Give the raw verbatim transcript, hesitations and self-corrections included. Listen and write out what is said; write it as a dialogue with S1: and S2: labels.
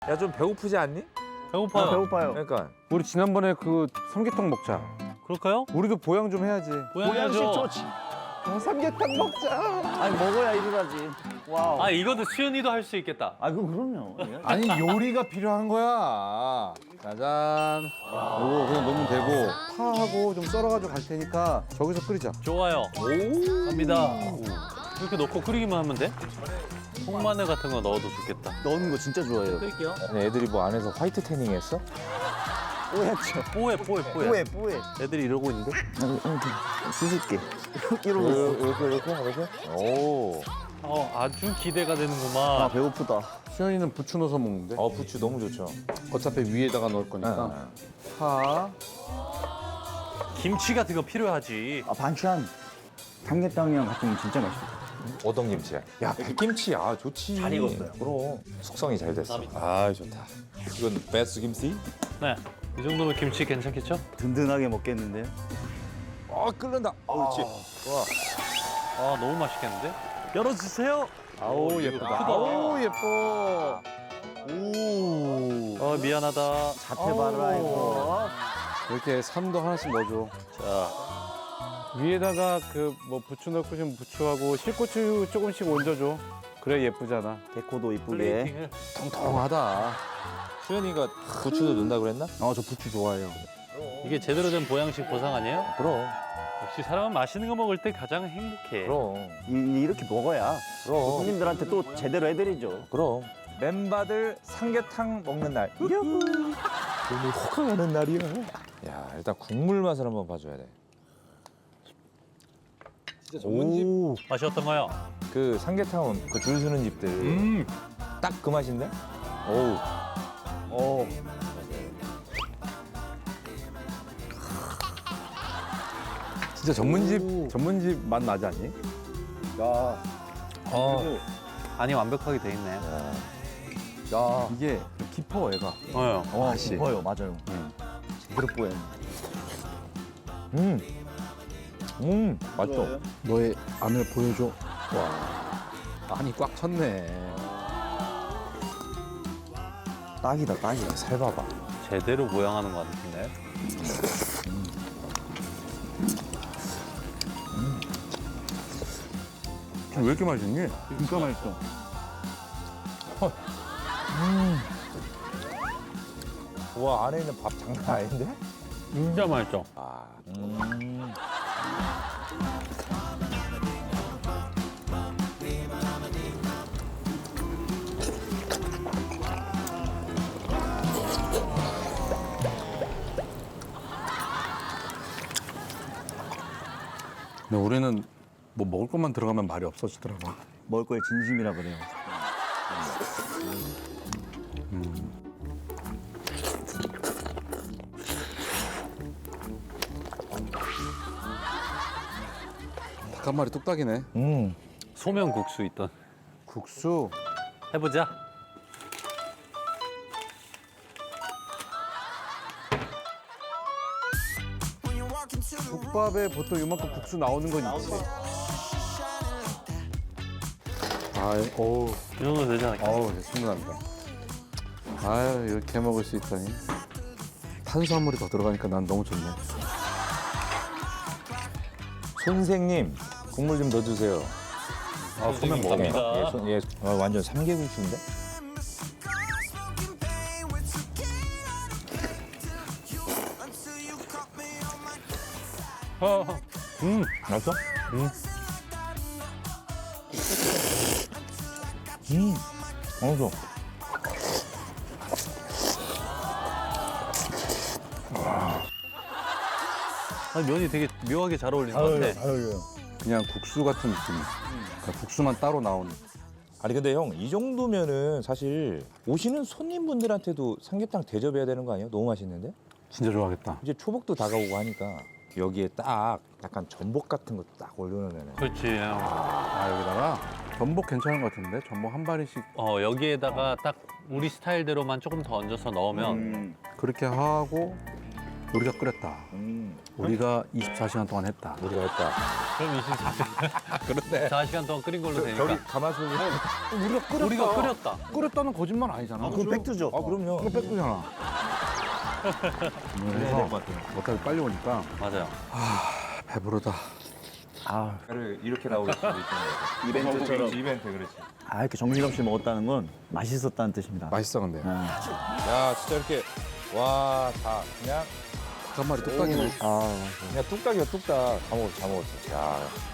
S1: 야, 좀 배고프지 않니?
S2: 배고파요.
S3: 아, 배고파요.
S1: 그러니까.
S4: 우리 지난번에 그 삼계탕 먹자.
S2: 그럴까요?
S4: 우리도 보양 좀 해야지.
S2: 보양해야죠.
S3: 보양식 좋지.
S4: 아, 삼계탕 먹자.
S3: 아니 먹어야 일어나지. 와우.
S2: 아 이것도 수현이도 할 수 있겠다.
S3: 아 그럼 그럼요. 예.
S4: 아니 요리가 필요한 거야. 짜잔. 이거 그냥 넣으면 되고 파하고 좀 썰어가지고 갈 테니까 저기서 끓이자.
S2: 좋아요. 오. 갑니다. 이렇게 넣고 끓이기만 하면 돼? 통마늘 같은 거 넣어도 좋겠다.
S3: 넣는 거 진짜 좋아해요.
S2: 끓일게요.
S1: 아니, 애들이 뭐 안에서 화이트 태닝 했어?
S3: 뽀얗죠.
S2: 뽀해 뽀해 뽀해.
S3: 뽀해 뽀해.
S2: 애들이 이러고 있는데?
S3: 수줍게.
S1: 이렇게,
S3: 이러고 있어.
S1: 이렇게, 이렇게, 이렇게? 오.
S2: 어 아주 기대가
S3: 아
S2: 되는구만.
S3: 배고프다.
S4: 수현이는 부추 넣어서 먹는데.
S1: 어, 부추 너무 좋죠.
S4: 어차피 위에다가 넣을 거니까. 파.
S2: 김치 같은 거 필요하지.
S3: 아 반찬. 삼계탕이랑 같이 진짜 맛있어.
S1: 어떤 김치야? 야, 백김치. 아, 좋지.
S3: 잘 익었어요.
S1: 그럼. 숙성이 잘 됐어. 아, 좋다. 이건 베스 김치?
S2: 네. 이 정도면 김치 괜찮겠죠?
S3: 든든하게 먹겠는데요.
S1: 아, 끓는다. 그렇지.
S2: 아 너무 맛있겠는데? 열어주세요.
S4: 아우
S2: 이거
S4: 예쁘다.
S2: 크다.
S4: 아우 예뻐.
S3: 오.
S2: 어 미안하다.
S3: 자태 봐라 이거.
S4: 이렇게 삼도 하나씩 넣어줘.
S2: 자
S4: 위에다가 그 뭐 부추 넣고 싶으면 부추하고 실고추 조금씩 얹어줘. 그래 예쁘잖아.
S3: 데코도 이쁘게.
S2: 플레이팅을.
S4: 통통하다.
S1: 수현이가 부추도 넣는다 그랬나?
S4: 아 저 부추 좋아해요.
S2: 이게 제대로 된 보양식 보상 아니에요?
S1: 그럼.
S2: 역시 사람은 맛있는 거 먹을 때 가장 행복해.
S1: 그럼.
S3: 이, 이렇게 먹어야
S1: 그럼.
S3: 손님들한테 또 제대로 해드리죠.
S1: 그럼. 멤버들 삼계탕 먹는 날. 오늘 호강 하는 날이야. 야, 일단 국물 맛을 한번 봐줘야 돼. 진짜
S4: 오.
S2: 맛이 어떤가요?
S1: 그 삼계탕은 그 줄 서는 집들
S2: 음.
S1: 딱 그 맛인데? 어우.
S3: 어.
S4: 진짜 전문집 전문집 맛 나지 않니?
S3: 야.
S2: 어. 간이 완벽하게 돼 있네.
S4: 야 이게 깊어 애가.
S2: 어요.
S3: 와
S4: 맛이.
S3: 깊어요. 맞아요. 제대로 뽀해.
S1: 음. 음. 맛있어.
S4: 너의 안을 보여줘. 와 안이 꽉 찼네.
S3: 딱이다 딱이다.
S1: 살 봐봐.
S2: 제대로 보양하는 것 같은데.
S4: 왜 이렇게 맛있니?
S3: 진짜 맛있어.
S1: 와, 안에 있는 밥 장난 아닌데?
S2: 진짜 맛있죠.
S1: 아. 음.
S4: 근데 우리는 뭐 먹을 것만 들어가면 말이 없어지더라고.
S3: 먹을 거에 진심이라 그래요.
S4: 닭 한 마리 뚝딱이네.
S1: 음.
S2: 소면 국수 있던.
S4: 국수.
S2: 해보자.
S4: 국밥에 보통 이만큼 국수 나오는 건 있지. 아, 어우,
S2: 이 정도 되지 않을까?
S4: 어우, 이제 충분합니다. 아유, 이렇게 먹을 수 있다니. 탄수화물이 더 들어가니까 난 너무 좋네.
S1: 선생님, 국물 좀 넣어주세요.
S2: 아, 소면 먹습니다.
S1: 예, 손- 예. 아, 완전 삼계국수인데?
S2: 어,
S1: 음. 맛있어?
S2: 음.
S1: 음. 맛있어.
S2: 아, 면이 되게 묘하게 잘 어울리는 것 같아.
S3: 잘 어울려요.
S4: 그냥 국수 같은 느낌. 그러니까 국수만 따로 나오는.
S1: 아니 근데 형, 이 정도면은 사실 오시는 손님분들한테도 삼계탕 대접해야 되는 거 아니에요? 너무 맛있는데?
S4: 진짜 좋아하겠다.
S1: 이제 초복도 다가오고 하니까 여기에 딱 약간 전복 같은 거 딱 올려놓으면
S2: 그렇지.
S4: 아, 여기다가 전복 괜찮은 것 같은데? 전복 한 마리씩
S2: 어, 여기에다가 딱 우리 스타일대로만 조금 더 얹어서 넣으면
S3: 음.
S4: 그렇게 하고 우리가 끓였다.
S1: 음,
S4: 우리가 이십사 시간 동안 했다.
S1: 우리가 했다.
S2: 그럼 이십사 시간.
S1: 그런데
S2: 사 시간 동안 끓인 걸로 되니까.
S1: 저기 가마솥에
S4: 우리가 끓였다.
S2: 우리가 끓였다.
S4: 끓였다는 거짓말 아니잖아.
S3: 그건 팩트죠.
S1: 아 그럼요.
S4: 그거 뺏고잖아.
S1: 그래야
S4: 그래서
S1: 될것 같아요.
S4: 어차피 빨리 오니까
S2: 맞아요.
S4: 배부르다.
S3: 아,
S1: 를 이렇게 나올 수도 있는 거죠.
S3: 이벤트처럼.
S1: 그렇지, 이벤트 그렇지.
S3: 아 이렇게 정신없이 먹었다는 건 맛있었다는 뜻입니다.
S4: 맛있어 근데.
S3: 아,
S1: 야 진짜 이렇게 와 다 그냥
S4: 닭 한 마리 뚝딱이네.
S3: 아,
S1: 그냥 뚝딱이야 뚝딱 다 먹었어 다 먹었어. 야